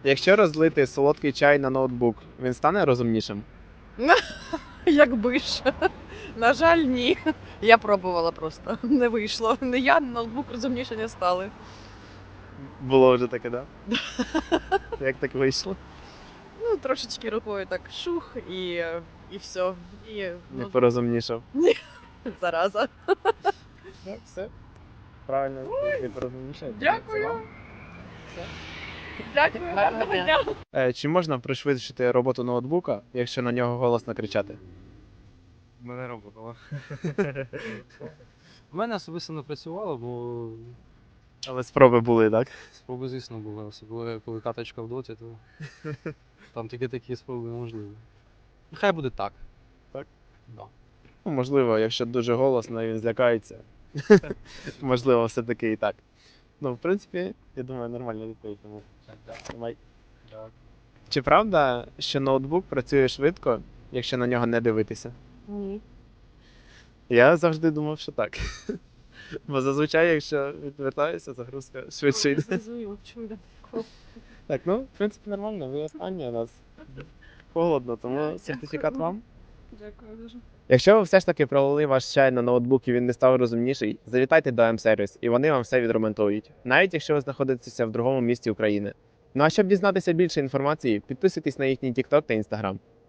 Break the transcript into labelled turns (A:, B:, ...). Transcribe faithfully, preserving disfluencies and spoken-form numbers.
A: Якщо розлити солодкий чай на ноутбук, він стане розумнішим?
B: Якби ж. На жаль, ні. Я пробувала просто. Не вийшло. Не я, ноутбук розумніше не стали.
A: Було вже таке, так? Да? Як так вийшло?
B: Ну, трошечки рукою так шух і, і все. І
A: Не
B: ну,
A: порозумнішав.
B: зараза.
A: Так, все. Правильно, не порозумнішав.
B: Дякую. Дякую. Гарного дня.
A: Е, Чи можна пришвидшити роботу ноутбука, якщо на нього голосно кричати?
C: Мене роботало. У мене особисто не працювало, бо
A: Але спроби були, так?
C: спроби, звісно, були. Особливо коли каточка в доті, то там тільки такі спроби неможливі. Нехай буде так.
A: Так?
C: Да.
A: Ну, можливо, якщо дуже голосно і він злякається. Можливо, все-таки і так. Ну, в принципі, я думаю, нормально відповідь. Тому тримай. Чи правда, що ноутбук працює швидко, якщо на нього не дивитися?
B: Ні.
A: Я завжди думав, що так. Бо зазвичай, якщо відвертаюся, загрузка швидше йде.
B: Зрозуміло, чому я такого.
A: Так, ну, в принципі, нормально, ви останні у нас холодно, тому сертифікат вам.
B: Дякую дуже.
A: Якщо ви все ж таки пролили ваш чай на ноутбук і він не став розумніший, завітайте до М-сервіс і вони вам все відремонтують, навіть якщо ви знаходитеся в другому місті України. Ну а щоб дізнатися більше інформації, підписуйтесь на їхній TikTok та Instagram.